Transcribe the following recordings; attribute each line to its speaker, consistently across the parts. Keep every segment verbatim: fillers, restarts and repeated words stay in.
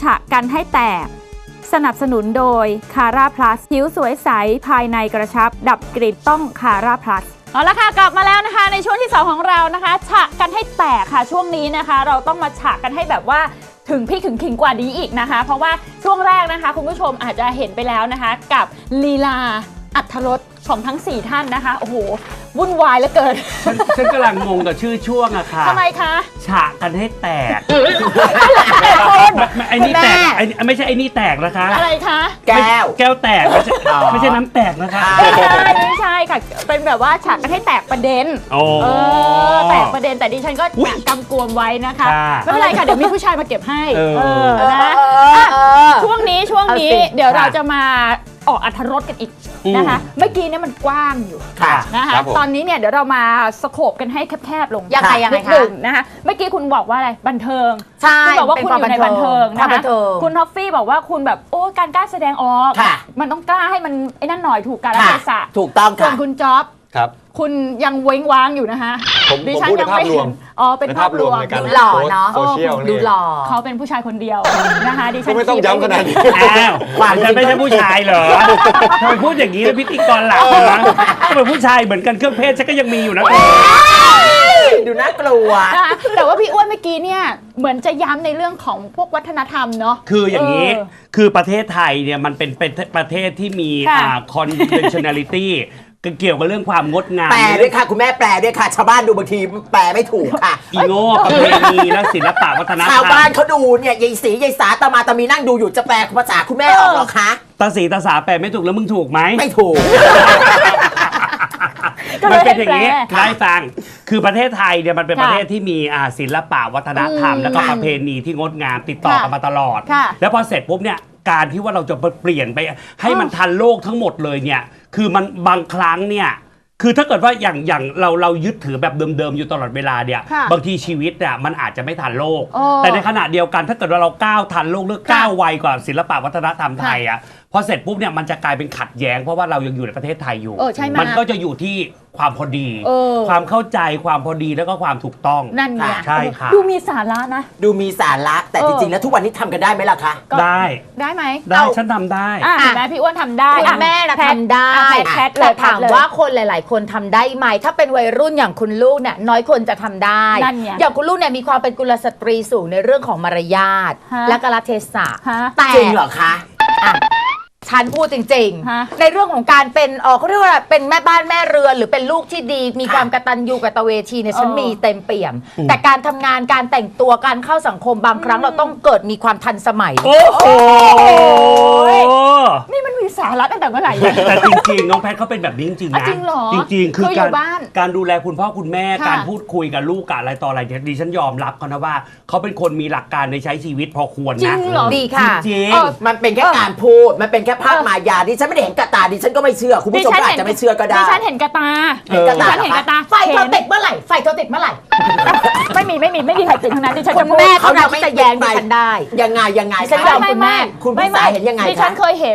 Speaker 1: ฉะกันให้แตกสนับสนุนโดยคาร่าพลัสผิวสวยใสภายในกระชับดับกลิ่นต้องคาร่าพลัสเอาละค่ะกลับมาแล้วนะคะในช่วงที่สองของเรานะคะฉะกันให้แตกค่ะช่วงนี้นะคะเราต้องมาฉะกันให้แบบว่าถึงพี่ถึงขิงกว่านี้อีกนะคะเพราะว่าช่วงแรกนะคะคุณผู้ชมอาจจะเห็นไปแล้วนะคะกับลีลาอรรถรสของทั้งสี่ท่านนะคะโอ้โหวุ่นวายเหลือเกิน
Speaker 2: ฉันฉันกำลังงงกับชื่อช่วงอะค่ะ
Speaker 1: ทำไมคะ
Speaker 2: ฉะกันให้แตก
Speaker 1: คน
Speaker 2: ไอ้นี่แตกไอ้ไม่ใช่ไอ้นี่แตกนะคะ
Speaker 1: อะไรคะ
Speaker 3: แก้ว
Speaker 2: แก้วแตกไม่ใช่ไม่ใช่น้ำแตกนะคะ
Speaker 1: ไม่ใช่ไม่ใช่ค่ะเป็นแบบว่าฉะกันให้แตกประเด็นเออแตกประเด็นแต่ดิฉันก็กำกวมไว้นะคะไม่เป็นไรค่ะเดี๋ยวมีผู้ชายมาเก็บให้เออนะช่วงนี้ช่วงนี้เดี๋ยวเราจะมาออกอรรถรสกันอีกนะคะเมื่อกี้เนี่ยมันกว้างอยู่นะคะตอนนี้เนี่ยเดี๋ยวเรามาสโคปกันให้แคบๆลง
Speaker 3: ยังไงยังไงคะ
Speaker 1: นะคะเมื่อกี้คุณบอกว่าอะไรบันเทิง
Speaker 3: ใช่
Speaker 1: คุณบอกว่าคุณอยู่ในบันเทิงนะคะ
Speaker 3: คุ
Speaker 1: คุณท็อฟฟี่บอกว่าคุณแบบโอ้การกล้าแสดงออกมันต้องกล้าให้มันไอ้นั่นหน่อยถูกกาลเทศะ
Speaker 3: ถูกต้องค่ะ
Speaker 1: ส่วนคุณจ๊อบ
Speaker 4: ครับ
Speaker 1: คุณยังเว้งว้างอยู่นะคะ
Speaker 4: ผมผมพูดในภาพรวม
Speaker 1: อ๋อเป็นภาพรวม
Speaker 3: ดูหล่อเนาะ
Speaker 4: โซเชียล
Speaker 1: ดูหล่อเขาเป็นผู้ชายคนเดียวนะคะดิฉัน
Speaker 4: ไม่ต้องย้ำขนาดนี้
Speaker 2: อ้าวฉันไม่ใช่ผู้ชายเหรอทำไมพูดอย่างนี้แล้วพิธีกรหลักนะก็เป็นผู้ชายเหมือนกันเครื่องเพศฉันก็ยังมีอยู่นะ
Speaker 3: ดูน่ากลัว
Speaker 1: แต่ว่าพี่อ้วนเมื่อกี้เนี่ยเหมือนจะย้ำในเรื่องของพวกวัฒนธรรมเนาะ
Speaker 2: คืออย่างนี้คือประเทศไทยเนี่ยมันเป็นประเทศที่มีอ่า conventionality เกี่ยวกับเรื่องความงดงาม
Speaker 3: แปลด้วยค่ะคุณแม่แปลด้วยค่ะชาวบ้านดูบางทีแปลไม่ถูกค่ะ
Speaker 2: อีโง่ประเพณีและศิลปะวัฒนธรรม
Speaker 3: ชาวบ้านเขาดูเนี่ยยายศรียายสาตามาตามีนั่งดูอยู่จะแปลภาษาคุณแม่ออกหรอคะ
Speaker 2: ตาสีตาสาแปลไม่ถูกแล้วมึงถูกไหม
Speaker 3: ไม่ถูก
Speaker 2: มันเป็นอย่างนี้ได้ฟังคือประเทศไทยเนี่ยมันเป็นประเทศที่มีศิลปะวัฒนธรรมแล้วก็ประเพณีที่งดงามติดต่อกันมาตลอดแล้วพอเสร็จปุ๊บเนี่ยการที่ว่าเราจะเปลี่ยนไปให้มันทันโลกทั้งหมดเลยเนี่ยคือมันบางครั้งเนี่ยคือถ้าเกิดว่าอย่างอย่างเราเรายึดถือแบบเดิมๆอยู่ตลอดเวลาเนี่ยบางทีชีวิตเนี่ยมันอาจจะไม่ทันโลกแต่ในขณะเดียวกันถ้าเกิดว่าเราก้าวทันโลกหรือก้าวไวกว่าศิลปะวัฒนธรรมไทยอ่ะพอเสร็จปุ๊บเนี่ยมันจะกลายเป็นขัดแย้งเพราะว่าเรายังอยู่ในประเทศไทยอยู่มันก็จะอยู่ที่ความพอดีความเข้าใจความพอดีแล้วก็ความถูกต้อง
Speaker 1: นั่นไง
Speaker 2: ใช่ค่ะ
Speaker 1: ดูมีสาระนะ
Speaker 3: ดูมีสาระแต่จริงๆแล้วทุกวันนี้ทำกันได้ไหมล่ะคะ
Speaker 2: ได้
Speaker 1: ได้ไหม
Speaker 2: ได้ฉันทำได้
Speaker 1: แม่พี่อ้วนทำได้
Speaker 3: คุณแม่นะทำได้แต่ถามว่าคนหลายๆคนทำได้ไหมถ้าเป็นวัยรุ่นอย่างคุณลูกเนี่ยน้อยคนจะทำได้อย่างคุณลูกเนี่ยมีความเป็นกุลสตรีสูงในเรื่องของมารยาทและกาลเทศะแต่จริงเหรอคะฉันพูดจริงๆในเรื่องของการเป็นเออเขาเรียกว่าเป็นแม่บ้านแม่เรือนหรือเป็นลูกที่ดีมีความกตัญญูกตเวทีเนี่ยฉันมีเต็มเปี่ยมแต่การทำงานการแต่งตัวการเข้าสังคมบางครั้งเราต้องเกิดมีความทันสมัย
Speaker 2: โอ้โห
Speaker 1: นี่มันมีสาระตั้งแต่เมื่อไหร่
Speaker 2: แต่จริงๆน้องแพทเขาเป็นแบบนี้จริงๆนะ
Speaker 1: จริงเหรอ
Speaker 2: จริงๆคือการการดูแลคุณพ่อคุณแม่การพูดคุยกับลูกกับอะไรต่ออะไรดิฉันยอมรับเขานะว่าเขาเป็นคนมีหลักการในใช้ชีวิตพอควรนะ
Speaker 3: ดีค่ะ
Speaker 2: จริง
Speaker 3: มันเป็นแค่การพูดมันเป็นแค่ภาพมายาดิฉันไม่ได้เห็นกระตาดิฉันก็ไม่เชื่อคุณผู้ชมอาจจะไม่เชื่อก็ได้
Speaker 1: ดิฉันเห็นกระตา
Speaker 3: เห็นกระตา
Speaker 1: เห็นกระตา
Speaker 3: ไฟเธอติดเมื่อไหร่ไฟเธอติดเมื่อไหร่
Speaker 1: ไม่มีไม่มีไม่มีใครติดทั้งนั้นดิฉันจะ
Speaker 3: พูดเขาจะไม่แย้งดิฉันได้ยังไงยังไง
Speaker 1: ดิฉันยอมคุณแม่
Speaker 3: คุณพี่สายเห็นยังไง
Speaker 1: ดิฉันเคยเห็น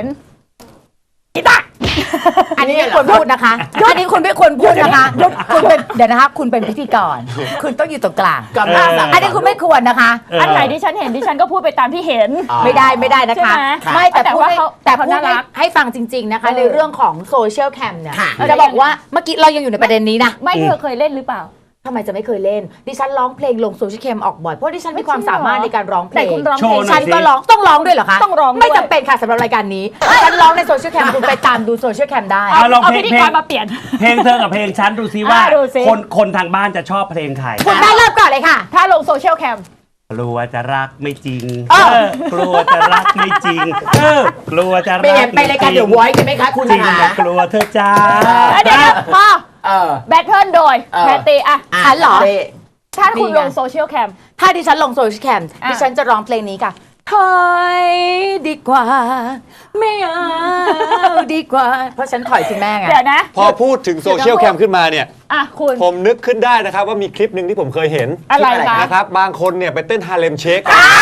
Speaker 3: อันนี้ไม่ควรพูดนะคะอันนี้คุณไม่ควรพูดนะคะคุณเป็นเดี๋ยวนะคะคุณเป็นพิธีกรคุณต้องอยู่ตรงกลางอันนี้คุณไม่ควรนะคะ
Speaker 1: อันไหนที่ฉันเห็นดิฉันก็พูดไปตามที่เห็น
Speaker 3: ไม่ได้ไม่ได้นะคะไม่แต่พูดแต่พูดให้ฟังจริงๆนะคะในเรื่องของโซเชียลแคมเนี่ยจะบอกว่าเมื่อกี้เรายังอยู่ในประเด็นนี้นะ
Speaker 1: ไม่เธอเคยเล่นหรือเปล่า
Speaker 3: ทำไมจะไม่เคยเล่นดิฉันร้องเพลงลงโซเชียลแคมออกบ่อยเพราะดิฉันมีความสามารถในการร้องเพลงฉันก็ร้องต้องร้องด้วยเหรอคะ
Speaker 1: ต้องร้อง
Speaker 3: ไม่จำเป็นค่ะสำหรับรายการนี้ฉันร้องในโซเชียลแคมคุณไปตามดูโซเชียลแคมได้
Speaker 1: เอาพิธีกรมาเปลี่ยน
Speaker 2: เพลงเธอกับเพลงฉันดูซิว่าคนคนทางบ้านจะชอบเพลงใคร
Speaker 3: คุณได้เริ่มก่อนเลยค่ะ
Speaker 1: ถ้าลงโซเชียลแคม
Speaker 2: กลัวจะรักไม่จริงกลัวจะรักไม่จริงกลัวจะรัก
Speaker 3: ไปรายการเดี๋ยวไว้ใช่ไหมคะคุณ
Speaker 2: จริงกลัวเธอจ้า
Speaker 1: เดี๋ยวพ่อแบทเทิลโดยแพตตี้อะ
Speaker 3: ฉันเหรอ
Speaker 1: ถ้าคุณลงโซเชียลแคม
Speaker 3: ถ้าดิฉันลงโซเชียลแคมดิฉันจะร้องเพลงนี้ค่ะถอยดีกว่าไม่เอาดีกว่าเพราะฉันถอยคุณแม่ไง
Speaker 1: เดี๋ยวนะ
Speaker 4: พอพูดถึงโซเชียลแคมขึ้นมาเนี่ย
Speaker 1: อ่ะคุณ
Speaker 4: ผมนึกขึ้นได้นะครับว่ามีคลิปหนึ่งที่ผมเคยเห็น
Speaker 1: อะไร
Speaker 4: นะครับบางคนเนี่ยไปเต้นฮาเลมเชค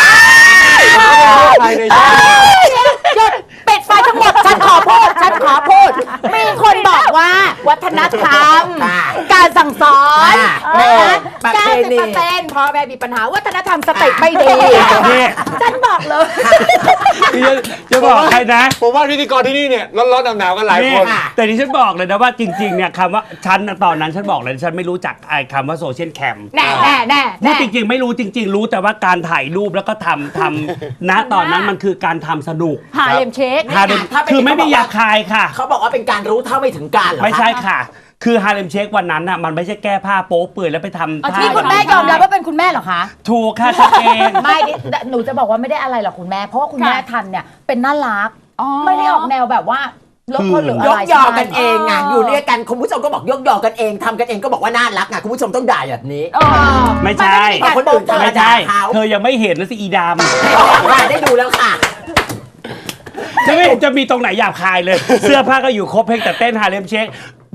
Speaker 3: หยุดปิดไฟทั้งหมดฉันขอพูดฉันขอพูดมีคนบอกว่าวัฒนธรรมการสั่งสอนการสิบเปอร์เซ็นต์พ่อแม่มีปัญหาวัฒนธรรมสติไม่ดีฉันบอกเลย
Speaker 2: จะบอกใครนะ
Speaker 4: ผมว่าพิธีกรที่นี่เนี่ยร้อนๆหนาวๆกันหลายคน
Speaker 2: แต่ที่ฉันบอกเลยนะว่าจริงๆเนี่ยคำว่าฉันตอนนั้นฉันบอกเลยฉันไม่รู้จักไอ้คำว่าโซเชียลแคม
Speaker 3: แน่แน่แน่
Speaker 2: พูดจริงๆไม่รู้จริงๆรู้แต่ว่าการถ่ายรูปแล้วก็ทำทำณตอนนั้นมันคือการทำสนุก
Speaker 1: หาเลมเช็ค
Speaker 2: คือไม่มีหยาบคายค่ะ
Speaker 5: เขาบอกว่าเป็นการรู้เท่าไม่ถึงการเหรอ
Speaker 2: ไม่ใช่ค่ะคือฮาเลมเชควันนั้นน่ะมันไม่ใช่แก้ผ้าโป๊เปื่อยแล้วไปทำท่า
Speaker 3: ที่คุณแม่ยอมรับว่าเป็นคุณแม่เหรอคะ
Speaker 2: ถูกค่ะชัดเจน
Speaker 3: ไม่หนูจะบอกว่าไม่ได้อะไรหรอกคุณแม่เพราะว่าคุณแม่ทันเนี่ยเป็นน่ารักไม่ได้ออกแนวแบบว่าลบคนหรืออะไร
Speaker 5: ยกยอกันเองไงอยู่ด้วยกันคุณผู้ชมก็บอกยกยอกันเองทำกันเองก็บอกว่าน่ารักไงคุณผู้ชมต้องด่าแบบนี้
Speaker 2: ไม่ใช่
Speaker 5: คนอื่น
Speaker 2: ไม่ใช่เธอยังไม่เห็นนะสิอีดาม
Speaker 5: ได้ดูแล้วค่ะ
Speaker 2: จะไม่จะมีตรงไหนหยาบคายเลยเสื้อผ้าก็อยู่ครบเพลงแต่เต้นฮาเลมเชค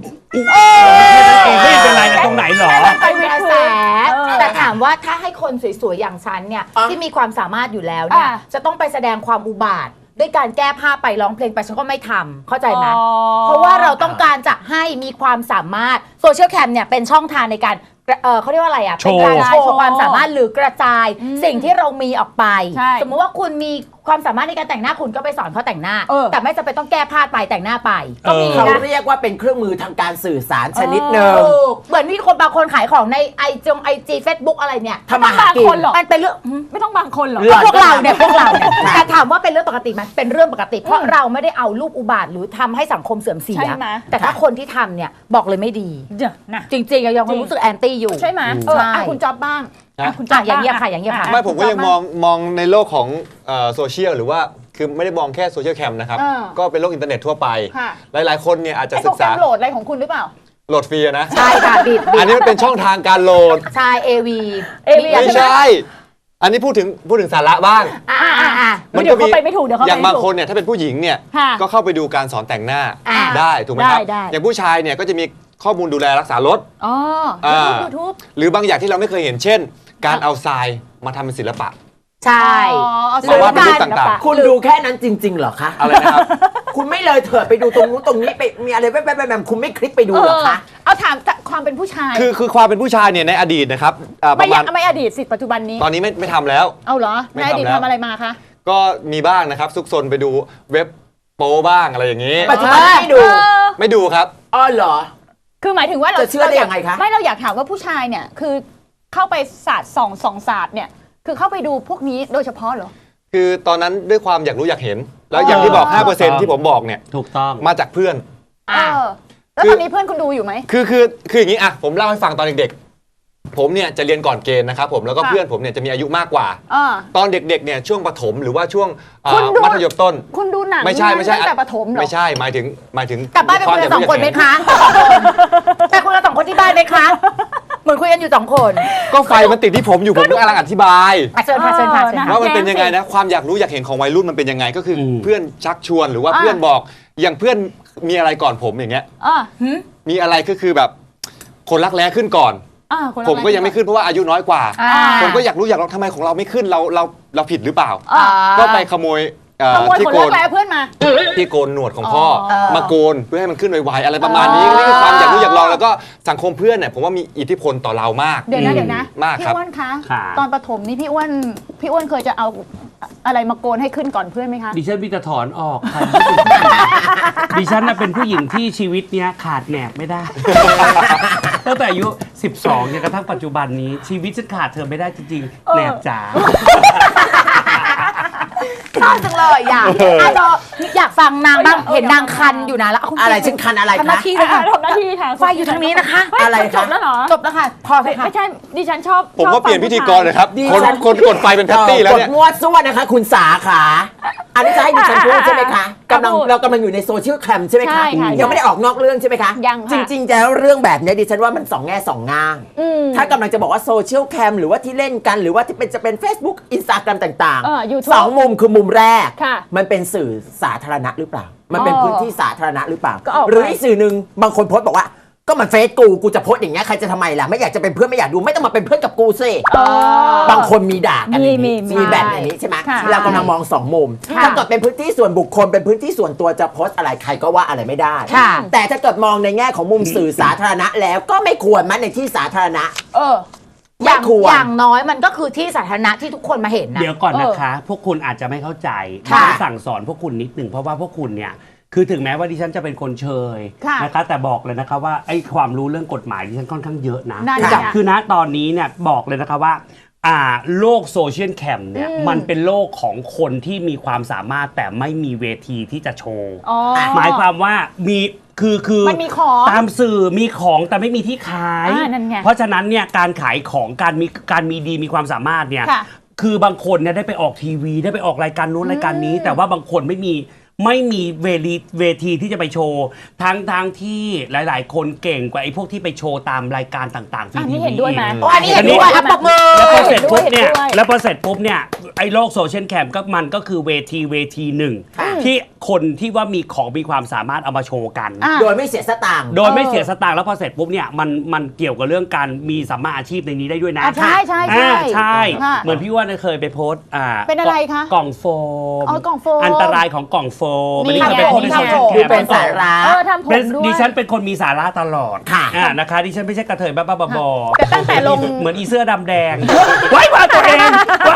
Speaker 2: ไม่เป็นไรนะตรงไหนหรอ
Speaker 3: เป็นกระแสแต่ถามว่าถ้าให้คนสวยๆอย่างฉันเนี่ยที่มีความสามารถอยู่แล้วเนี่ยจะต้องไปแสดงความอุบาทด้วยการแก้ผ้าไปร้องเพลงไปฉันก็ไม่ทำเข้าใจไหมเพราะว่าเราต้องการจะให้มีความสามารถโซเชียลแคมเนี่ยเป็นช่องทางในการเออเขาเรียกว่าอะไรอ่ะเป็นการโชว์ความสามารถหรือกระจายสิ่งที่เรามีออกไปสมมติว่าคุณมีความสามารถในการแต่งหน้าคุณก็ไปสอนเขาแต่งหน้าแต่ไม่จำเป็นต้องแก้ผ้าไปแต่งหน้าไป
Speaker 5: เขาเรียกว่าเป็นเครื่องมือทางการสื่อสารชนิดหนึ่ง
Speaker 3: เหมือนมีคนบางคนขายของในไอจงไอจีเฟซบุ๊กอะไรเนี่ย
Speaker 1: ทำมาหากินมัน
Speaker 3: เป็นเรื่อง
Speaker 1: ไม่ต้องบางคนหรอก
Speaker 3: พวกเราเนี่ยพวกเราเนี่ยแต่ถามว่าเป็นเรื่องปกติไหมเป็นเรื่องปกติเพราะเราไม่ได้เอารูปอุบาทหรือทำให้สังคมเสื่อมเสียแต่ถ้าคนที่ทำเนี่ยบอกเลยไม่ดีจริงๆยังรู้สึกแอนตี้อยู่
Speaker 1: ใช่ไหมเออคุณจ๊อบบ้าง
Speaker 3: คุณจ๊อบอย่างเงี้ยค่ะอย่างเงี้ยค่ะ
Speaker 4: ไม่ผมก็ยังมองมองในโลกของโซเชียลหรือว่าคือไม่ได้มองแค่โซเชียลแคมนะครับก็เป็นโลกอินเทอร์เน็ตทั่วไปหลายๆคนเนี่ยอาจจะศึกษา
Speaker 1: โหลดอะไรของคุณหรือเปล่า
Speaker 4: โหลดฟรีนะ
Speaker 3: ใช่ค่ะบิด
Speaker 4: อันนี้มันเป็นช่องทางการโหลด
Speaker 3: ใช่ เอ วี
Speaker 4: ไม่ใช่อันนี้พูดถึงพูดถึงสาระบ้าง
Speaker 1: มันก็มี
Speaker 4: อย่างบางคนเนี่ยถ้าเป็นผู้หญิงเนี่ยก็เข้าไปดูการสอนแต่งหน้าได้ถูกไหมครับอย่างผู้ชายเนี่ยก็จะมีข้อมูลดูแลรักษารถ
Speaker 1: อ๋อยูทูบ
Speaker 4: หรือบางอย่างที่เราไม่เคยเห็นเช่นการเอาทรายมาทำเป็นศิลปะ
Speaker 3: ใช่
Speaker 4: หรือว่าเป็นรูปต่าง
Speaker 5: ๆคุณดูแค่นั้นจริงๆเหรอคะ
Speaker 4: อะไรนะครับ
Speaker 5: คุณไม่เลยเถิดไปดูตรงนู้นตรงนี้ไปมีอะไรแป๊บๆๆคุณไม่คลิกไปดูเหรอคะ
Speaker 1: เอาถามความเป็นผู้ชาย
Speaker 4: คือคือความเป็นผู้ชายเนี่ยในอดีตนะครับ
Speaker 1: ไม่ยังไม่อดีตสิปัจจุบันนี้
Speaker 4: ตอนนี้ไม่ไม่ทำแล้ว
Speaker 1: เอาเหรอในอดีตทำอะไรมาคะ
Speaker 4: ก็มีบ้างนะครับซุกซนไปดูเว็บโป๊บ้างอะไรอย่างนี้
Speaker 5: ปัจจุบันไม่ดู
Speaker 4: ไม่ดูครับ
Speaker 5: อ๋อเหรอ
Speaker 1: คือหมายถึงว่าเรา
Speaker 5: จะเชื่อได้ยังไงคะ
Speaker 1: ไม่เราอยากถามว่าผู้ชายเนี่ยคือเข้าไปศาสตร์สองสองศาสตร์เนี่ยคือเข้าไปดูพวกนี้โดยเฉพาะเหรอ
Speaker 4: คือตอนนั้นด้วยความอยากรู้อยากเห็นแล้วอย่างที่บอก ห้าเปอร์เซ็นต์ ที่ผมบอกเนี่ย
Speaker 2: ถูกต้อง
Speaker 4: มาจากเพื่อน
Speaker 1: อ่าแล้วตอนนี้เพื่อนคุณดูอยู่ไหม
Speaker 4: คือคือคืออย่างนี้อ่ะผมเล่าให้ฟังตอนเด็กๆผมเนี่ยจะเรียนก่อนเกณฑ์นะครับผมแล้วก็เพื่อนผมเนี่ยจะมีอายุมากกว่าตอนเด็กๆเนี่ยช่วงประถมหรือว่าช่วงมัธยมต้น
Speaker 1: คุณดูหนัง
Speaker 4: ไม่ใช่ไม่ใช่
Speaker 1: แต่ประถมเหรอ
Speaker 4: ไม่ใช่หมายถึงหมายถึง
Speaker 3: กลับบ้านเป็นคนละสองคนไหมคะแต่คุณละสองคนที่บ้านไหมคะเหมือนคุยกันอยู่สองคน
Speaker 4: ก็ไฟมันติดที่ผมอยู่ผมก็กำลังอธิบาย
Speaker 3: เชิญค่ะเชิญค่ะ
Speaker 4: ว่ามันเป็นยังไงนะความอยากรู้อยากเห็นของวัยรุ่นมันเป็นยังไงก็คือเพื่อนชักชวนหรือว่าเพื่อนบอกอย่างเพื่อนมีอะไรก่อนผมอย่างเงี้ยมีอะไรก็คือแบบคนรักแร้ขึ้นก่อนผมก็ยังไม่ขึ้นเพราะว่าอายุน้อยกว่าผมก็อยากรู้อยากลองทำไมของเราไม่ขึ้นเราเราเราผิดหรือเปล่าก็ไปขโมย
Speaker 1: ที่โกนเพื่อนมา
Speaker 4: ที่โกนหนวดของพ่อมาโกนเพื่อให้มันขึ้นไวๆอะไรประมาณนี้นี่คือความอยากรู้อยากลองแล้วก็สังคมเพื่อนเนี่ยผมว่ามีอิทธิพลต่อเรามาก
Speaker 1: เดี๋ยวนะเดี๋ยวนะ
Speaker 4: มากครับ
Speaker 1: พี่อ้วนคะตอนประถมนี่พี่อ้วนพี่อ้วนเคยจะเอาอะไรมาโกนให้ขึ้นก่อนเพื่อนไหมคะ
Speaker 2: ดิฉันมีแต่ถอนออกค่ะดิฉันน่ะเป็นผู้หญิงที่ชีวิตเนี้ยขาดแหนบไม่ได้ตั้งแต่อายุสิบสองจนกระทั่งปัจจุบันนี้ชีวิตฉันขาดเธอไม่ได้จริงๆแหนบจ๋า
Speaker 3: ชอบจังเลยอยากอยากฟังนางบ้างเห็นนางคันอยู่นะแล้ว
Speaker 5: อะไรฉันคันอะไรคะ
Speaker 1: ทำหน้าที่ค่ะทำหน้าที่ค่ะ
Speaker 3: ไฟอยู่ทางนี้นะคะ
Speaker 1: อะไรจบแล้วเหรอจบแล้วค่ะพอค่ะไม่ใช่ดิฉันชอบ
Speaker 4: ผมก็เปลี่ยนพิธีกรเลยครับคนคนกดไฟเป็นแพตตี้แล้วเนี่ย
Speaker 5: กดงวดซ่วนะคะคุณสาขาอันนี้จะให้ดิฉันพูดใช่ไหมคะกำลังเรากำลังอยู่ในโซเชียลแคมใช่ไหมคะยังไม่ได้ออกนอกเรื่องใช่ไหมคะ
Speaker 1: ยัง
Speaker 5: จริงๆแล้วเรื่องแบบนี้ดิฉันว่ามันสองแง่สองง่ามถ้ากำลังจะบอกว่าโซเชียลแคมหรือว่าที่เล่นกันหรือว่าที่เป็นจะเป็น Facebook Instagram ต่างๆสองมุมคือมุมแรกมันเป็นสื่อสาธารณะหรือเปล่ามันเป็นพื้นที่สาธารณะหรือเปล่าหรืออีกสื่อหนึ่งบางคนโพสต์บอกว่าก็มันเฟซกูกูจะโพสต์อย่างเงี้ยใครจะทำไมล่ะไม่อยากจะเป็นเพื่อนไม่อยากดูไม่ต้องมาเป็นเพื่อนกับกูสิบางคนมีด่ากันมีแบบนี้ใช่ไหมเรากำลังมองสองมุมถ้าเกิดเป็นพื้นที่ส่วนบุคคลเป็นพื้นที่ส่วนตัวจะโพสต์อะไรใครก็ว่าอะไรไม่ได้แต่ถ้าเกิดมองในแง่ของมุมสื่อสาธารณะแล้วก็ไม่ควรมันในที่สาธารณะ
Speaker 1: เออ
Speaker 3: อย่าง
Speaker 5: ควร
Speaker 3: อย่างน้อยมันก็คือที่สาธารณะที่ทุกคนมาเห็นนะ
Speaker 2: เดี๋ยวก่อนนะคะ พวกคุณอาจจะไม่เข้าใจ
Speaker 3: ค่ะ
Speaker 2: ดิฉันสั่งสอนพวกคุณนิดหนึ่งเพราะว่าพวกคุณเนี่ยคือถึงแม้ว่าดิฉันจะเป็นคนเชย
Speaker 1: ค่ะ
Speaker 2: นะคะแต่บอกเลยนะคะว่าไอ้ความรู้เรื่องกฎหมายดิฉันค่อนข้างเยอะนะ
Speaker 1: นั่น
Speaker 2: คือ
Speaker 1: ไง
Speaker 2: คือณตอนนี้เนี่ยบอกเลยนะคะว่าอ่าโลกโซเชียลแคมเนี่ย
Speaker 1: อืม
Speaker 2: มันเป็นโลกของคนที่มีความสามารถแต่ไม่มีเวทีที่จะโชว์
Speaker 1: อ๋อ
Speaker 2: หมายความว่ามีคือคือ
Speaker 1: มันมีของ
Speaker 2: ตามสื่อมีของแต่ไม่มีที่ขาย
Speaker 1: อ่านั่นไง
Speaker 2: เพราะฉะนั้นเนี่ยการขายของการมีการมีดีมีความสามารถเนี่ย
Speaker 1: ค่ะ
Speaker 2: คือบางคนเนี่ยได้ไปออกทีวีได้ไปออกรายการนู้นรายการนี้ แต่ว่าบางคนไม่มีไม่มีเวทีเวทีที่จะไปโชว์ทั้งทางที่หลาย ๆ คนเก่งกว่าไอ้พวกที่ไปโชว์ตามรายการต่างๆ
Speaker 1: อันนี้
Speaker 2: ทีวี
Speaker 1: เห็นด้วยไหม
Speaker 2: อีก
Speaker 3: โอ้อันนี้เห็นด้วยอ่ะปรบมือ
Speaker 2: แล้วพอเสร็จปุ๊บเนี่ย
Speaker 1: เห็นด้วย
Speaker 2: แล้วพอเสร็จปุ๊บเนี่ยไอ้โลกโซเชียลแคมก็มันก็คือเวทีเวทีหนึ่ง
Speaker 5: ค่ะ
Speaker 2: ที่คนที่ว่ามีของมีความสามารถเอามาโชว์กัน
Speaker 1: อ่ะ
Speaker 5: โดยไม่เสียสตางค์
Speaker 2: โดยไม่เสียสตางค์แล้วพอเสร็จปุ๊บเนี่ยมันมันเกี่ยวกับเรื่องการมีสัมมาอาชีพในนี้ได้ด้วยนะ
Speaker 1: อ่ะใช่ใช่ใช่
Speaker 2: อ่าใช่
Speaker 1: ค่ะ
Speaker 2: เหมือนพี่ว่าเคยไปโพสต์อ่า
Speaker 1: เป็นอะไรคะ
Speaker 2: กล่องโฟม
Speaker 1: อ๋อกล่องโฟม
Speaker 2: อันตรายของกล่องโฟม
Speaker 1: นี่
Speaker 2: อันนี้เคยไปโพสต์ใน
Speaker 1: ไง
Speaker 2: โซเชียลแค
Speaker 5: คือ
Speaker 2: ม
Speaker 5: เป็นสาระ
Speaker 1: เออทำผม
Speaker 2: เป็น
Speaker 1: ด้วย
Speaker 2: ดิฉันเป็นคนมีสาระตลอด
Speaker 5: ค่ะ
Speaker 2: อ่านะคะดิฉันไม่ใช่กระเทยบ้าๆบอๆ
Speaker 1: แต่ตั้งแต่ลง
Speaker 2: เหมือนอีเสื้อดำแดงไว้ว่าตัวเองไว้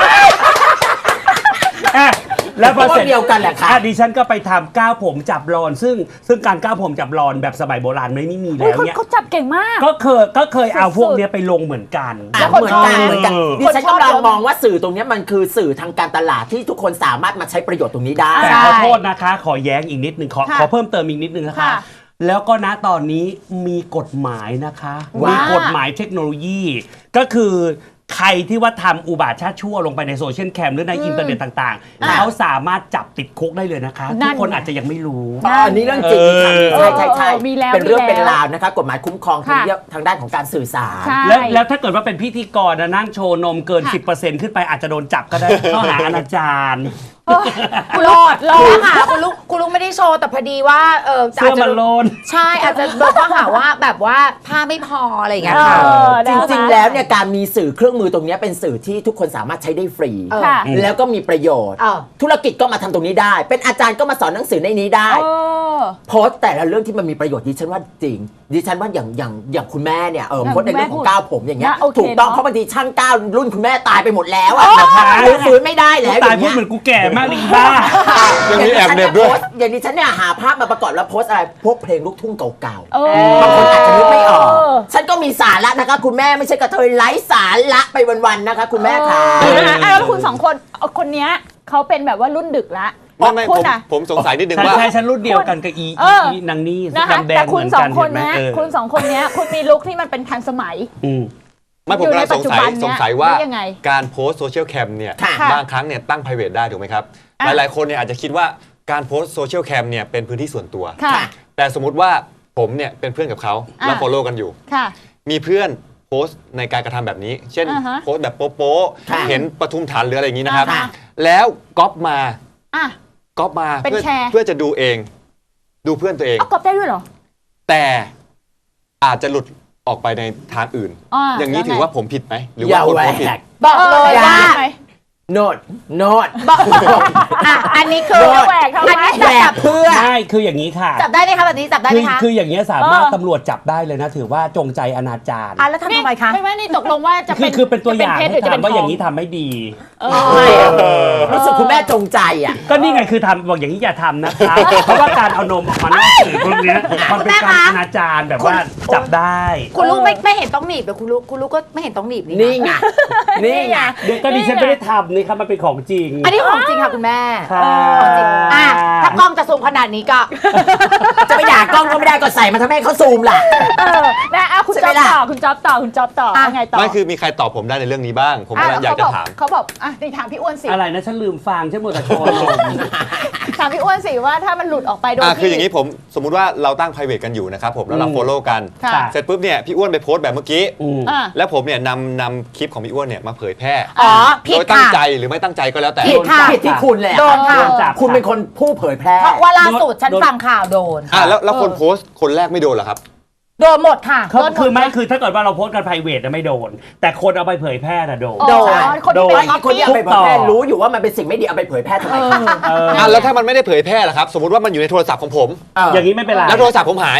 Speaker 2: อ่ะแล้วพอเสร็จ
Speaker 5: พวกเดียวกันแหละค่ะ
Speaker 2: อ่ดิฉันก็ไปทำก้าวผมจับรอน ซึ่งซึ่งการก้าวผมจับรอนแบบสมัยโบราณไม่มี
Speaker 1: เฮ้ย
Speaker 2: แล้ว
Speaker 1: เขา
Speaker 2: เนี่ย
Speaker 1: เขาจับเก่งมาก
Speaker 2: ก็เคยก็เคยเอาพวกเนี้ยไปลงเหมือนกัน
Speaker 5: อ่ะ
Speaker 1: แล้วคน
Speaker 5: เหมือนกัน
Speaker 1: ชอบไหม
Speaker 5: เหมือนกัน
Speaker 2: เออ
Speaker 5: ดิฉันกำลังมองว่าสื่อตรงเนี้ยมันคือสื่อทางการตลาดที่ทุกคนสามารถมาใช้ประโยชน์ตรงนี้ได้
Speaker 2: แต่
Speaker 1: ใช่
Speaker 2: ขอโทษนะคะ ขอแย้งอีกนิดนึงขอ
Speaker 1: ค่ะ
Speaker 2: ขอเพิ่มเติมอีกนิดนึงนะคะ
Speaker 1: ค่ะ
Speaker 2: แล้วก็ณตอนนี้มีกฎหมายนะคะ
Speaker 5: ว่ามี
Speaker 2: มีกฎหมายเทคโนโลยี ก็คือใครที่ว่าทำอุบาทชาติชั่วลงไปในโซเชียลแคมหรือในอินเทอร์เน็ตต่าง
Speaker 1: อ่ะ
Speaker 2: ๆ เขาสามารถจับติดคุกได้เลยนะคะ
Speaker 1: นั่
Speaker 2: ทุก
Speaker 1: น
Speaker 2: คนอาจจะยังไม่รู้
Speaker 5: อ๋ออันนี้เรื่องจริงค่ะ
Speaker 2: เออ
Speaker 5: ใช่ใช่ใช่
Speaker 1: เออมีแล้ว
Speaker 5: เป็นเรื่อง
Speaker 1: มีแล้ว
Speaker 5: เป็นราวนะคะ กฎหมายคุ้มครองทาง
Speaker 1: ค่ะ
Speaker 5: เรื่องทางด้านของการสื่อสาร
Speaker 1: ใช่
Speaker 2: แล้วแล้วถ้าเกิดว่าเป็นพิธีกรนะนั่งโชว์นมเกิน
Speaker 1: ค่ะ
Speaker 2: สิบเปอร์เซ็นต์ ขึ้นไปอาจจะโดนจับก็ได้ ข้อหาอนาจาร
Speaker 3: คุณลูกรอค่ะคุณลูกคุณลูกไม่ได้โชว์แต่พอดีว่าเออ
Speaker 2: เสื้อมันโลน
Speaker 3: ใช่อาจจะโดนข้อหาว่าแบบว่าผ้าไม่พออะไรอย่างเงี้ย
Speaker 1: เอ
Speaker 3: ค่ะ
Speaker 1: อ
Speaker 5: จริงๆ แล้วเนี่ยการมีสื่อเครื่องมือตรงเนี้ยเป็นสื่อที่ทุกคนสามารถใช้ได้ฟรี
Speaker 3: เออ
Speaker 1: ค่ะ
Speaker 5: แล้วก็มีประโยชน์
Speaker 3: เออ
Speaker 5: ธุรกิจก็มาทำตรงนี้ได้ เป็นอาจารย์ก็มาสอนหนังสือในนี้ได้
Speaker 1: เออ
Speaker 5: โพสต์แต่ละเรื่องที่มันมีประโยชน์ดิฉันว่าจริงดิฉันว่าอย่างอย่างอย่างคุณแม่เนี่ยเออ
Speaker 1: อย่าง
Speaker 5: โพสต์ในเรื่องของ
Speaker 1: คุณแม่
Speaker 5: ก้าวผมอย่างเงี้ย
Speaker 1: นะโอเค
Speaker 5: ถูกต้อง
Speaker 1: เนอะ
Speaker 5: เพราะบางทีช่างก้าวรุ่นคุณแม่ตายไปหมดแล้วอะ
Speaker 2: โอ้
Speaker 5: ฟื้นฟื้นไม่ได้แล้ว
Speaker 2: ตายพูดเหมือนกูแก่มากเลยอีบ้า
Speaker 4: ยังมีแอบเหน็บด้วย
Speaker 5: อย่างดิฉันเนี่ยหาภาพมาประกอบแล้วโพสต์อะไรพวกเพลงลูกทุ่งเก่า
Speaker 1: เอ
Speaker 5: ๆบางคนอาจจะนึกไม่ออก
Speaker 1: อ
Speaker 5: ฉันก็มีสาระนะคะคุณแม่ไม่ใช่กระเทยไร้สาระไปวันๆนะคะคุณแม่ค่ะ
Speaker 1: เออนะคะอ่ะแล้วคุณสองคนเอาคนเนี้ยเขาเป็นแบบว่ารุ่นดึกละ
Speaker 4: ไม่ไม่
Speaker 1: คุ
Speaker 4: ผ
Speaker 1: ณ
Speaker 4: ม
Speaker 1: อะ
Speaker 4: ผมสงสัยนิดนึง
Speaker 2: ใช่
Speaker 4: ว่า
Speaker 2: ใช่ฉันรุ่นเดียวกันกับอี
Speaker 1: เออ
Speaker 2: อีนางนี่
Speaker 1: นะคะ
Speaker 2: ดำแด
Speaker 1: แต่
Speaker 2: ง
Speaker 1: คุ
Speaker 2: เห
Speaker 1: ณ
Speaker 2: มือน
Speaker 1: สอ
Speaker 2: กั
Speaker 1: ง
Speaker 2: น
Speaker 1: คน
Speaker 2: เห็นไหม
Speaker 1: เนี้ย
Speaker 2: เออ
Speaker 1: คุณสองคนเนี้ยคุณมีลุคที่มันเป็นทันสมัย
Speaker 2: อืม
Speaker 4: ไม่ผมกำลังสงสัย
Speaker 1: อยู่ในปัจจุบันเนี่ย
Speaker 4: สงสัยว่า
Speaker 1: ได้ยังไง
Speaker 4: การโพสต์โซเชียลแคมเนี่ย
Speaker 5: ค่ะ
Speaker 4: บางครั้งเนี่ยตั้ง private ได้ถูกไหมครับ
Speaker 1: อ่ะ
Speaker 4: หลายๆคนเนี่ยอาจจะคิดว่าการโพสต์โซเชียลแคมเนี่ยเป็นพื้นที่ส่วนตัว
Speaker 1: ค่ะ
Speaker 4: แต่สมมุติว่าผมเนี่ยเป็นเพื่อนกับเขาแล้ว
Speaker 1: อ่ะ
Speaker 4: follow กันอยู่
Speaker 1: ค่ะ
Speaker 4: มีเพื่อนโพสต์ในการกระทำแบบนี้ เช่น
Speaker 1: อ่าฮะ
Speaker 4: โพสต์แบบโป๊ะ
Speaker 5: ค่ะ
Speaker 4: ๆเห็นปทุมฐานหรืออะไรอย่างนี้นะครับ
Speaker 1: อ่าฮะ
Speaker 4: แล้วก๊อปมา
Speaker 1: อ่ะ
Speaker 4: ก๊อปมา
Speaker 1: เป็น
Speaker 4: เพื่อ
Speaker 1: แชร์
Speaker 4: เพื่อจะดูเอง ดูเพื่อนตัวเอง
Speaker 1: เอากรอบได้ด้วยเหรอ
Speaker 4: แต่อาจจะหลุดออกไปในทางอื่น
Speaker 1: อ่า
Speaker 4: อย่างนี้
Speaker 1: แล้วไง
Speaker 4: ถือว่าผมผิดไหมหรือ
Speaker 5: อย่า
Speaker 4: ว่าคน
Speaker 5: แหว
Speaker 4: โพสต์ผิด
Speaker 5: ก
Speaker 3: บอกเลย
Speaker 1: ออ
Speaker 3: ว่า
Speaker 1: ได้ไหม
Speaker 5: โนดโนด
Speaker 3: บอกอ่ะอันนี้คือ
Speaker 1: จะแหวกทำไม
Speaker 3: อันนี้
Speaker 5: แหว
Speaker 3: จั
Speaker 5: ก
Speaker 3: บ
Speaker 5: เพื่อ
Speaker 2: ใช่คืออย่างนี้ค่ะ
Speaker 3: จับได้ไหมคะแบบนี้จับได้ไห
Speaker 2: คื
Speaker 3: ม
Speaker 2: อ
Speaker 3: คะ
Speaker 2: คืออย่างนี้ยสามารถ
Speaker 1: เออ
Speaker 2: ตำรวจจับได้เลยนะ ถือว่าจงใจอนาจาร
Speaker 3: อ่ะแล้วทำทำไมคะ
Speaker 1: ไม่ไม่นี่ตกลงว่าจะ
Speaker 2: คื
Speaker 1: เป็
Speaker 2: อน คือเป็นตัวอย่าง
Speaker 1: จะ
Speaker 2: ให้
Speaker 1: เพชรหรือจะเป็
Speaker 2: ถาม
Speaker 1: น
Speaker 2: ว่า
Speaker 1: ท
Speaker 2: อย่างนี้ทำไม่ดี
Speaker 1: เออ
Speaker 5: ไม่อะรู้สึกคุณแม่จงใจอ่ะ
Speaker 2: ก็นี่ไงคือทำบอกอย่างนี้อย่าทำนะคะเพราะว่าการเอานมออกมานอกสื่อพวกเนี้ยมันเป็นการอนาจารแบบว่าจับได้
Speaker 3: คุณลูกไม่ไม่เห็นต้องหนีบแต่คุณลูกคุณลูกก็ไม่เห็นต้องหนีบนี่
Speaker 5: นี่
Speaker 3: นะ
Speaker 5: ไงนี่ไง
Speaker 2: เดี๋ยวก็ดิฉันไม่ได้ทำนี่ครับมันเป็นของจริง
Speaker 3: อันนี้ของจริงค่ะคุณแม่
Speaker 2: ค่ะ
Speaker 3: ของจริงอ่ะถ้ากล้องจะซูมขนาดนี้ก็
Speaker 5: จะไปด่ากล้องก็ไม่ได้ก็ใส่มาทำให้เขาซูมล่ะ
Speaker 1: เออนะอ่ะคุณ
Speaker 5: ใช่
Speaker 1: จ๊
Speaker 5: ไหม
Speaker 1: อบ
Speaker 5: ล่ะ
Speaker 1: ต่อคุณจ๊อบต่อคุณจ๊อบต่อ
Speaker 3: อ่ะ
Speaker 1: ยังไงต่อ
Speaker 4: ไม่คือมีใครตอบผมได้ในเรื่องนี้บ้าง ผมกำลังอยากจะถาม
Speaker 1: เขาบอกอ่ะนี่ถามพี่อ้วนสิ
Speaker 2: อะไรนะฉันลืมฟังฉันหมดแต่โชว์นม
Speaker 1: ถามพี่อ้วนสิว่าถ้ามันหลุดออกไปโดย
Speaker 4: อ่ะคือ
Speaker 1: ที่
Speaker 4: อย่างนี้ผมสมมุติว่าเราตั้ง private กันอยู่นะครับผมแล้วเรา
Speaker 2: อืม
Speaker 4: follow กัน
Speaker 1: ค่ะ
Speaker 4: เสร็จปุ๊บเนี่ยพี่อ้วนไปโพสต์แบบเมื่อกี้
Speaker 2: อืม
Speaker 1: อ่ะ
Speaker 4: แล้วผมเนี่ยนำนำคลิปของพี่อ้วนเนี่ยมาเผยแพร่
Speaker 3: อ๋อผิ
Speaker 4: โด
Speaker 3: ด
Speaker 4: ยตั้ง
Speaker 3: ค่ะ
Speaker 4: ใจหรือไม่ตั้งใจก็แล้วแต่
Speaker 3: ผิดค่ะ
Speaker 5: ผิดที่คุณเลยอะ
Speaker 3: โดนค่ะ
Speaker 2: โดนจับ
Speaker 5: คุณเป็นคนผู้เผยแพร่
Speaker 3: เพราะว่าล่าสุดฉัน
Speaker 2: โดน
Speaker 3: ฟังข่าวโดน
Speaker 4: อ่ะแล้วแล้วคน
Speaker 1: เออ
Speaker 4: โพสต์คนแรกไม่โดนเหรอครับ
Speaker 3: โดนหมดค่ะ
Speaker 2: เขา
Speaker 3: โดนหด
Speaker 2: คือไม่คือถ้าเกิดว่าเราโพสต์กัน private นะไม่โดน แต่คนเอาไปเผยแพร่น่ะโดน
Speaker 1: อ๋อ
Speaker 3: โดน
Speaker 1: คนที่เป็น
Speaker 2: โด
Speaker 5: ไอ้คนที่เอาไปเผยแพร่รู้อยู่ว่ามันเป็นสิ่งไม่ดีเอาไปเผยแพร่ทำไมคะ
Speaker 2: เออ
Speaker 4: อ่ะแล้วถ้ามันไม่ได้เผยแพร่ล่ะครับ สมมติว่ามันอยู่ในโทรศัพท์ของผม
Speaker 5: เออ
Speaker 2: อย่างนี้ไม่เป็นไร
Speaker 4: แล้วโทรศัพท์ผมหายอ่ะ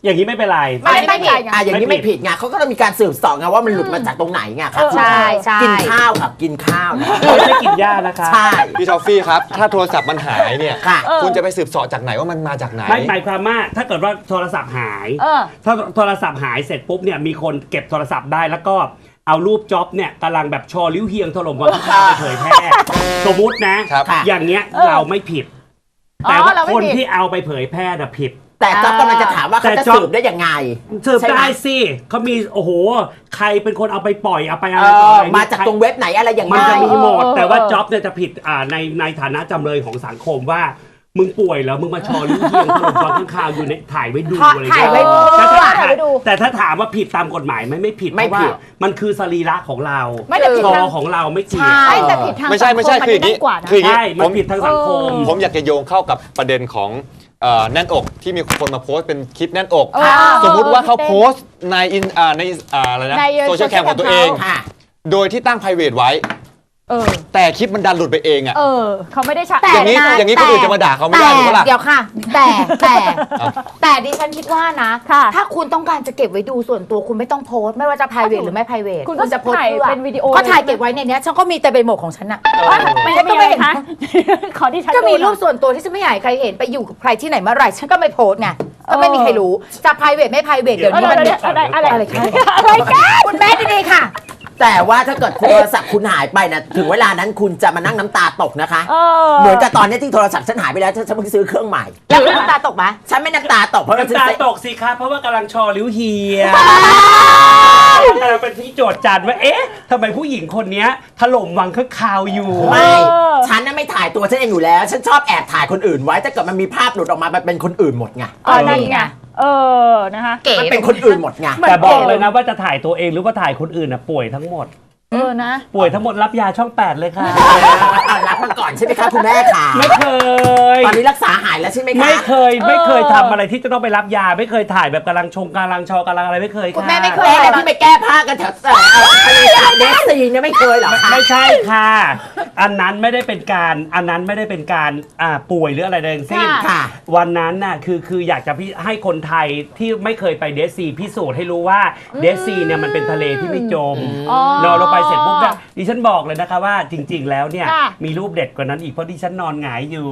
Speaker 2: อย่างนี้ไม่เป็นไร
Speaker 3: ไม่ได้ไม่ผิด
Speaker 5: อ่ะอย่างนี้ไม่ผิดไงเขาก็ต้องมีการสืบสอบไงว่ามันหลุดมาจากตรงไหนไงครับ
Speaker 3: ใช่ใช่
Speaker 5: กินข้าวครับกินข้าวนะ
Speaker 2: ไม่ใช่กินหญ้านะคะ
Speaker 5: ใช่
Speaker 4: พี่ทอฟฟี่ครับ ถ้าโทรศัพท์มันหายเนี่ย
Speaker 5: ค่ะ
Speaker 4: คุณจะไปสืบเสาะจากไหนว่ามันมาจากไหน
Speaker 2: ไม่หมายความว่าถ้าเกิดว่าโทรศัพท์หาย
Speaker 1: เออ
Speaker 2: ถ้าโทรศัพท์หายเสร็จปุ๊บเนี่ยมีคนเก็บโทรศัพท์ได้แล้วก็เอารูปจ็อบเนี่ยกำลังแบบชอลิ้วเฮียงถล่มวันข้าวไปเผยแพร่สมมุตินะครับ อย่างเงี้ย
Speaker 1: เออ
Speaker 2: เราไม่ผิด
Speaker 1: อ๋อ
Speaker 2: แต่ว่า
Speaker 1: เราไม่
Speaker 2: คน
Speaker 1: ผิด
Speaker 2: ที่เอาไปเผยแพร่น่ะผิด
Speaker 5: แต่จ๊อบกำลังจะถามว่าเขา
Speaker 2: แต่
Speaker 5: จะ
Speaker 2: จ๊อบ
Speaker 5: สืบได้ยังไง
Speaker 2: สืบ
Speaker 5: ใช่หม
Speaker 2: ได้สิเขามีโอ้โหใครเป็นคนเอาไปปล่อยเอาไปอะ
Speaker 5: เอ
Speaker 2: ไรต่อ
Speaker 5: อ
Speaker 2: อะไร
Speaker 5: มาจากตรงเว็บไหนอะไรอย่าง
Speaker 2: มัน
Speaker 5: ไร
Speaker 2: จะมีหมด
Speaker 1: เออ
Speaker 2: แต่ว่า
Speaker 1: เออ
Speaker 2: จ็อบเนี่ยจะผิดอ่าในในฐานะจำเลยของสังคมว่ามึงป่วยแล้วมึงมาชอลิ้วเฮียงถล่มวันข้าวอยู่ในถ่ายไว้ดูอะไร
Speaker 3: ถ่าย
Speaker 2: เงี้
Speaker 3: ไว้
Speaker 2: ย
Speaker 3: ดู
Speaker 2: แต่ถ้า
Speaker 1: ถ่ายไว้ดู
Speaker 2: แต่ถ้าถามว่าผิดตามกฎหมายไหม่ไม่ผิด
Speaker 5: ไม่
Speaker 2: เพราะ
Speaker 5: ผิ
Speaker 2: ว่า
Speaker 5: ด
Speaker 2: มันคือสรีระของเรา
Speaker 1: ไม่แต่ผิด
Speaker 2: ชอ
Speaker 1: ทาง
Speaker 2: ของเราไม่เกี่ยว
Speaker 1: ใช่แต่ผิดทาง
Speaker 4: ไม่ใช่ไม่ใช่
Speaker 1: สัง
Speaker 4: คืออย่างนี้
Speaker 1: นี้กว่านะ
Speaker 4: คืออย่างนี้
Speaker 2: ใช่
Speaker 4: ผ
Speaker 2: มัน
Speaker 4: ม
Speaker 2: ผิดทางสังคม
Speaker 1: เออ
Speaker 4: ผมอยากจะโยงเข้ากับประเด็นของเอ่อแน่นอกที่มีคนมาโพสต์เป็นคลิปแน่นอก
Speaker 1: เออ
Speaker 4: สมมุติว่าเขาโพสต์ในอินอ่าในอ่าอะไรนะ
Speaker 1: ใน
Speaker 4: โซเชียลแคมของตัวเอง
Speaker 5: ค่ะ
Speaker 4: โดยที่ตั้ง private ไว้
Speaker 1: เออ
Speaker 4: แต่คลิปมันดันหลุดไปเองอ่ะ
Speaker 1: เออ เขาไม่ได้ใช้
Speaker 3: แต่
Speaker 4: อย่างนี้
Speaker 3: ะ
Speaker 4: อย่างนี้คนอื่นจะมาด่าเขาไม่ได้
Speaker 3: แต่
Speaker 4: หรือเปล่า
Speaker 3: เดี๋ยวค่ะ แต่แต่
Speaker 4: เอา
Speaker 3: แต่ดิฉันคิดว่านะ
Speaker 1: ค่ะ
Speaker 3: ถ้าคุณต้องการจะเก็บไว้ดูส่วนตัวคุณไม่ต้องโพสต์ไม่ว่าจะ private หรือไม่ private
Speaker 1: คุณก็
Speaker 3: จะโพสต์
Speaker 1: ถ่าย
Speaker 3: พื่อ
Speaker 1: เป็นวิดีโอ
Speaker 3: ก็ถ่ายเก็บไว้ในเนี้ยฉันก็มีแต่เป็นโหมดของฉันอะ
Speaker 1: ไม่ได้มีอะไรคะ ขอที่ฉัน
Speaker 3: ก็มี
Speaker 1: ดูหน่อย
Speaker 3: รูปส่วนตัวที่ฉันไม่อยากให้ใครเห็นไปอยู่กับใครที่ไหนเมื่อไหร่ฉันก็ไม่โพสต์ไงก็ไม่มีใครรู้จะ private ไม่ private เดี๋ยว
Speaker 1: เออ
Speaker 3: นี้มัน
Speaker 1: เดี๋ยวอะไรอะไร
Speaker 3: อะไรคะ
Speaker 1: อะไรกัน
Speaker 3: คุณแม่ดีๆค่ะ
Speaker 5: แต่ว่าถ้าเกิดโทรศัพท์คุณหายไปนะถึงเวลานั้นคุณจะมานั่งน้ำตาตกนะคะ
Speaker 1: เออ
Speaker 5: เหมือนกับตอนนี้ที่โทรศัพท์ฉันหายไปแล้วฉันฉันเพิ่งซื้อเครื่องใหม่
Speaker 3: แล้วคุณน้ำตาตกไหม
Speaker 5: ฉันไม่น้ำตาตกเพราะว่าฉัน
Speaker 2: น้ำตา
Speaker 5: ซื้อ
Speaker 2: ตกสิครับเพราะว่ากำลังชอลิ้วเฮียกำลังเป็นที่โจทย์จันว่าเอ๊ะทำไมผู้หญิงคนเนี้ยถล่มวังข้างคาวอยู่
Speaker 5: ไม่ ฉันน่ะไม่ถ่ายตัวฉันเองอยู่แล้ว ฉันชอบแอบถ่ายคนอื่นไว้ถ้าเกิดมันมีภาพหลุดออกมามันเป็นคนอื่นหมดไง
Speaker 1: เออนั่นไงเออนะคะ
Speaker 3: เก๋
Speaker 5: มันเป็นคนอื่นหมดไง
Speaker 2: แต่บอกเลยนะว่าจะถ่ายตัวเองหรือว่าถ่ายคนอื่นน่ะป่วยทั้งหมด
Speaker 1: เออนะ
Speaker 2: ป่วยทั้งหมดรับยาช่องแปดเลยค่ะ
Speaker 5: อ่ะรับมาก่อนใช่ไหมคะคุณแม่ขา
Speaker 2: ไม่เคย
Speaker 5: ตอนนี้รักษาหายแล้วใช่ไหมคะ
Speaker 2: ไม่เคยไม่เคย
Speaker 1: เออ
Speaker 2: ทำอะไรที่จะต้องไปรับยาไม่เคยถ่ายแบบกำลังชงกำลังชอกำลังอะไรไม่เคยค่ะ
Speaker 3: คุณแม่ไม่เคย
Speaker 5: แม่แล้วที่ไปแก้ผ้ากันแถวเอ่อทะเลสาบเดสซีเนี่ยไม่เคยเหรอคะ
Speaker 2: ไม่ใช่ค่ะ อันนั้นไม่ได้เป็นการอันนั้นไม่ได้เป็นการอ่าป่วยหรืออะไรใดทั้งสิ้น
Speaker 5: ค่ะ
Speaker 2: วันนั้นน่ะคือคืออยากจะพี่ให้คนไทยที่ไม่เคยไปเดซีพิสูจน์ให้รู้ว่าเดซีเนี่ยมันเป็นทะเลที่ไม่จม
Speaker 1: อ๋อ
Speaker 2: นอนลงไปเสร็จปุ๊บเนี่ยดิฉันบอกเลยนะคะว่าจริง ๆ แล้วเนี่ย
Speaker 1: ค่ะ
Speaker 2: มีรูปเด็ดกว่านั้นอีกเพราะดิฉันนอนหงายอยู่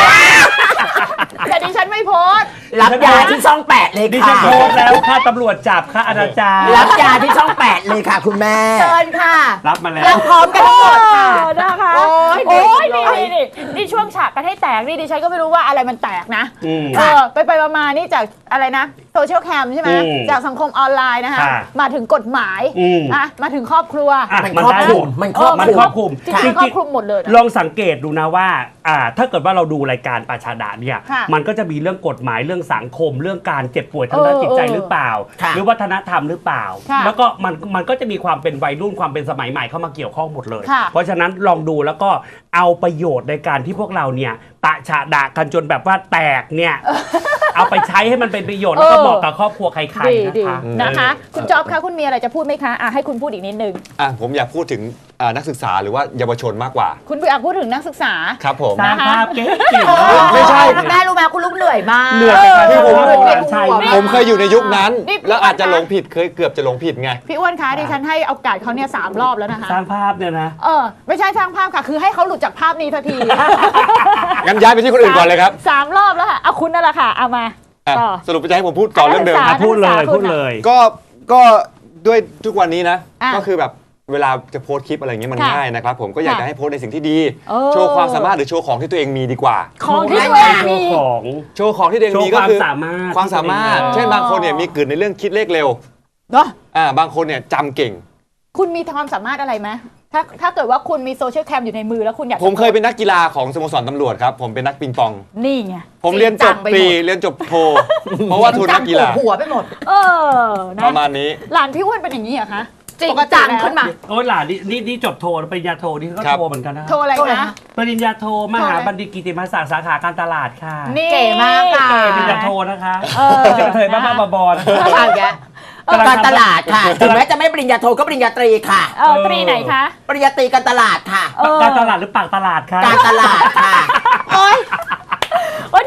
Speaker 1: แต่ดิฉันไม่โพสต์
Speaker 5: รับยาที่ช่องแปดเลย
Speaker 2: ดิฉั
Speaker 5: ค่ะ
Speaker 2: นโพสต์แล้วค่ะตำรวจจับค่ะอนาจาร
Speaker 5: รับยาที่ช่องแปดเลยค่ะคุณแม่
Speaker 3: เชิญค่ะ
Speaker 2: รับมาแล้ว
Speaker 3: เราพร้อมกันทั้งหมดค่ะ
Speaker 1: เออนะคะ
Speaker 3: โอ๊ย
Speaker 1: โอ้ย
Speaker 3: เด็
Speaker 1: นี่
Speaker 3: กเลย
Speaker 1: นี่นี่นี่ช่วงฉากกันให้แตกนี่ดิฉันก็ไม่รู้ว่าอะไรมันแตกนะ
Speaker 2: อืม
Speaker 1: เออไปไปมาๆนี่จากอะไรนะโซเชียลแคมใช่ไหม
Speaker 2: อืม
Speaker 1: จากสังคมออนไลน์นะคะ
Speaker 2: ค่ะ
Speaker 1: มาถึงกฎหมาย
Speaker 2: อืม
Speaker 1: อ่ะมาถึงครอบครัว
Speaker 2: อ่ะ
Speaker 5: มัน
Speaker 2: มัน
Speaker 5: ครอบ
Speaker 2: ได้
Speaker 5: ค
Speaker 2: ห
Speaker 5: ลุ
Speaker 2: ม
Speaker 5: ม
Speaker 2: ด
Speaker 5: มันครอบ
Speaker 2: มัน
Speaker 5: คลุ
Speaker 2: ครอ
Speaker 5: ม
Speaker 2: บคลุม
Speaker 1: จริงๆครอบคลุมหมดเลยนะ
Speaker 2: ลองสังเกตดูนะว่าอ่า ถ้าเกิดว่าเราดูรายการปาชาดาเนี่ย
Speaker 1: ค่ะ
Speaker 2: มันก็จะมีเรื่องกฎหมายเรื่องสังคม เรื่องการเจ็บป่วยทางด้าน
Speaker 1: เออ
Speaker 2: จิตใจ
Speaker 1: เออ
Speaker 2: หรือเปล่า
Speaker 5: ค่ะ
Speaker 2: หรือวัฒนธรรมหรือเปล่า
Speaker 1: ค่ะ
Speaker 2: แล้วก็มันมันก็จะมีความเป็นวัยรุ่นความเป็นสมัยใหม่เข้ามาเกี่ยวข้องหมดเลย
Speaker 1: ค่ะ
Speaker 2: เพราะฉะนั้นลองดูแล้วก็เอาประโยชน์ในการที่พวกเราเนี่ยปะฉะดากันจนแบบว่าแตกเนี่ย เอาไปใช้ให้มันเป็นประโยชน์แล้วก็
Speaker 1: เออ
Speaker 2: เหมาะกับครอบครัวใคร
Speaker 1: ดี
Speaker 2: ๆ
Speaker 1: ดี
Speaker 2: นะคะ
Speaker 1: นะคะ คุณจ๊อบคะคุณมีอะไรจะพูดไหมคะอ่ะให้คุณพูดอีกนิดนึง
Speaker 4: อ่ะผมอยากพูดถึงอ่านักศึกษาหรือว่าเยาวชนมากกว่า
Speaker 1: คุณอยากพูดถึงนักศึกษา
Speaker 4: ครับผม
Speaker 2: สร้างภาพเก๋ๆ
Speaker 3: โอ้ย
Speaker 4: ไม่ใช่
Speaker 3: คุณแม่รู้ไหมคุณลูกเหนื่อยมาก
Speaker 2: เหนื่อยไปค่ะ
Speaker 1: เออ
Speaker 2: ที่ผม
Speaker 1: เออ
Speaker 2: บอกหลานชาย
Speaker 3: ไม่
Speaker 4: ผมเคยอยู่ในยุคนั้น
Speaker 1: นี่
Speaker 4: แล้วอาจจะหลงผิดเคยเกือบจะหลงผิดไง
Speaker 1: พี่อ้วนคะดิฉันให้โอกาสเขาเนี่ยสามรอบแล้วนะคะ
Speaker 2: สร้างภาพเนี่ยนะ
Speaker 1: เออไม่ใช่สร้างภาพค่ะ คือให้เขาหลุดจากภาพนี้ทันที
Speaker 4: งั้นย้ายไปที่คนอื่นก่อนเลยครับ
Speaker 1: สามรอบแล้วค่ะเอาคุณนั่นแหละค่ะเอามา
Speaker 4: อ่ะ
Speaker 1: ต่อ
Speaker 4: สรุปจะให้ผมพูดต่อเรื่องเดิม
Speaker 1: นักศึกษา
Speaker 2: พูดเลยพูดเลย
Speaker 4: ก็ก็ด้วยทุกวันนี้นะ
Speaker 1: อ่ะ
Speaker 4: ก็คือแบบเวลาจะโพสต์คลิปอะไรเงี้ยมัน
Speaker 1: ค่ะ
Speaker 4: ง่ายนะครับผมก็อยาก
Speaker 1: ค่ะ
Speaker 4: จะให้โพสต์ในสิ่งที่ดี
Speaker 1: เออ
Speaker 4: โชว์ความสามารถหรือโชว์ของที่ตัวเองมีดีกว่า
Speaker 1: ของที่ตัวเองมี
Speaker 2: โชว์ของ
Speaker 4: โชว์ของที่ตัวเอง
Speaker 2: โชว์
Speaker 4: มีก็คือ
Speaker 2: ความสามารถ
Speaker 4: ความสามารถ
Speaker 1: ที่ตัวเองมี
Speaker 4: เช่นบางคนเนี่ยมีกึ่นในเรื่องคิดเลขเร็ว
Speaker 1: เนาะ
Speaker 4: อ่าบางคนเนี่ยจำเก่ง
Speaker 1: คุณมีความสามารถอะไรไหมถ้าถ้าเกิดว่าคุณมีโซเชียลแคมอยู่ในมือแล้วคุณอยากจะ
Speaker 4: ผมเคยเป็นนักกีฬาของสโมสรตำรวจครับผมเป็นนักปิงปอง
Speaker 1: นี่ไง
Speaker 4: ผมเรียนจบ
Speaker 3: จริงจังไป
Speaker 4: ตรี
Speaker 3: หมด
Speaker 4: เรียนจบโท เพราะว่าทุนนักกีฬา
Speaker 3: จำหัวไปหมด
Speaker 1: เออนะ
Speaker 4: ประมาณนี้
Speaker 1: หลานพี่อ้วนเป็นอย่างนี้เหรอคะ
Speaker 3: จริง
Speaker 1: ปกติ
Speaker 3: จัง
Speaker 1: แล้ว
Speaker 3: ขึ้นมา
Speaker 2: โอ้ยหลานนี่นี่นี่จบโทปริญญาโทนี่ก็
Speaker 4: ครับ
Speaker 2: โทเหมือนกันนะ
Speaker 1: โทรอะไร
Speaker 3: โทรอะไร
Speaker 1: นะ
Speaker 3: นะ
Speaker 2: ปริญญาโทมหาบัณฑิตกิติมศักดิ์สาขาการตลาดค่ะ
Speaker 1: นี่
Speaker 3: เก๋มากค่ะ
Speaker 2: ปริญญาโทนะคะ
Speaker 1: เออ
Speaker 2: จะเคยบ้าๆบอๆนะคะ
Speaker 3: เอาอีกแล้ว
Speaker 5: การตลาดค่ะ ถึงแม้จะไม่ปริญญาโทก็ปริญญาตรีค่ะ
Speaker 1: เออตรีไหนคะ
Speaker 5: ปริญญาตรีการตลาดค่ะ
Speaker 1: เออ
Speaker 2: การตลาดหรือปากตลาดคะ
Speaker 5: การตลาดค่ะ
Speaker 1: โอ๊ยโอ๊ยที่นั่งอยู่ตรง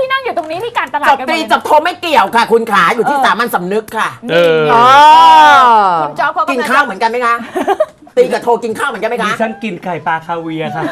Speaker 1: นี้ที่การตลาด
Speaker 5: จบ
Speaker 1: กันห
Speaker 5: ต
Speaker 1: ม
Speaker 5: รี
Speaker 1: ดเลย
Speaker 5: จบโทไม่เกี่ยวค่ะ คุณขาอยู่ที่สามัญสำนึกค่ะ
Speaker 2: เออ
Speaker 5: อ๋อ
Speaker 1: คุณจ๊อบเขา
Speaker 5: กิ
Speaker 1: กิ
Speaker 5: นข้าวเหมือนกันไหมคะตีกับโทกินข้าวเหมือนกันไหม
Speaker 2: ดิ
Speaker 5: คะ
Speaker 2: ฉันกินไข่ปลาคาเวียร์ค่ะ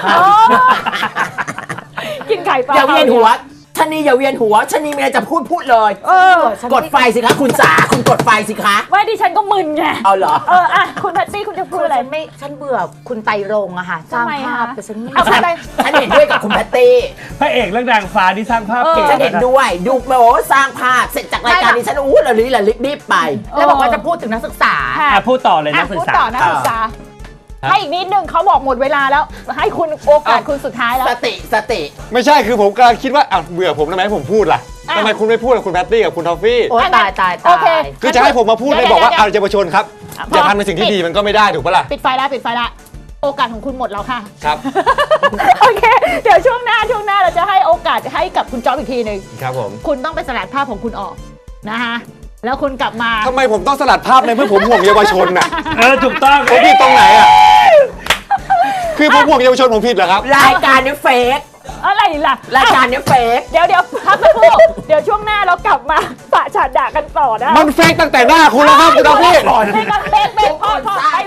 Speaker 1: กินไข่ปลา
Speaker 5: อย่าเวียนหัวชะนีอย่าเวียนหัวชะนีมีอะไรจะพูดพูดเลย
Speaker 1: เออ
Speaker 5: กดไฟสิคะคุณสาคุณกดไฟสิคะ
Speaker 1: ว่าดิฉันก็มึนไง
Speaker 5: เอาเหรอ
Speaker 1: เอออ่ะคุณแพตตี้คุณจะพู
Speaker 3: คื
Speaker 1: ด
Speaker 3: อ
Speaker 1: อะไร
Speaker 3: ฉันไม่ฉันเบื่อคุณไตรรงค์อะค่ะสร้าง
Speaker 1: ทำไม
Speaker 3: ภาพ
Speaker 1: คะ
Speaker 3: แต่ฉันไม่
Speaker 1: เอาคุณไตร
Speaker 5: ฉันเห็นด้วยกับคุณแพตตี้
Speaker 2: พระเอกและนางฟ้าที่สร้างภาพเก่ง
Speaker 5: ฉันเห็นด้วย ดูโอ้สร้างภาพเสร็จจากรายการนี้ฉันอู้ละลิละลิรีบไป
Speaker 3: แล้วบอกว่าจะพูดถึงนักศึกษา
Speaker 1: ค่ะ
Speaker 2: อ่ะพูดต่อเลยนั
Speaker 1: อ่ะ
Speaker 2: กศึ
Speaker 1: พู
Speaker 2: ก
Speaker 1: ด
Speaker 2: ษา
Speaker 1: ต่อนักศึกษา
Speaker 2: ครับ
Speaker 1: ให้อีกนิดนึงเขาบอกหมดเวลาแล้ว ให้คุณโอกาสคุณสุดท้ายแล้ว
Speaker 5: สติสติ
Speaker 4: ไม่ใช่คือผมกำลังคิดว่าอ้าวเบื่อผมทำไมให้ผมพูดล่ะ
Speaker 1: อ่ะ
Speaker 4: ทำไมคุณไม่พูดกับคุณแพตตี้กับคุณทอฟฟี่
Speaker 3: โอ้ยตายตาย
Speaker 1: โอ
Speaker 3: ตา
Speaker 1: เค
Speaker 3: ย
Speaker 4: คือจะให้ผมมาพูดเลยบอกว่า
Speaker 1: เดี๋ยว
Speaker 4: เอาเยาวชนครับ
Speaker 1: อ่ะ
Speaker 4: อย่า
Speaker 1: พอ
Speaker 4: ทำในสิ่งที่ดีมันก็ไม่ได้ถูกปะล่ะ
Speaker 1: ปิดไฟแล้วปิดไฟแล้วโอกาสของคุณหมดแล้วค่ะ
Speaker 4: ครับ
Speaker 1: โอเค เดี๋ยวช่วงหน้าช่วงหน้าเราจะให้โอกาสให้กับคุณจ๊อบอีกทีหนึ่ง
Speaker 4: ครับผม
Speaker 1: คุณต้องไปสลัดภาพของคุณออกนะคะแล้วคุณกลับมา
Speaker 4: ทำไมผมต้องสลัดภาพในเมื่อผมห่วงเยาวชนน่ะ
Speaker 2: เออถูกต้อง
Speaker 4: ผมผิดตรงไหนอ่ะคือผมห่วงเยาวชนผมผิดเหรอครับ
Speaker 5: รายการนี้เฟก
Speaker 1: อะไรล่ะ
Speaker 5: รายการนี้เฟก
Speaker 1: เดี๋ยวเดี๋ยวพักสักครู่เดี๋ยวช่วงหน้าเรากลับมาปะฉาดด่ากันต่อนะ
Speaker 4: มันเฟกตั้งแต่หน้าคุณแล้วครับคุณทอฟฟี่
Speaker 1: เบรกก่อนเบรกเบรกเบรกพอพอ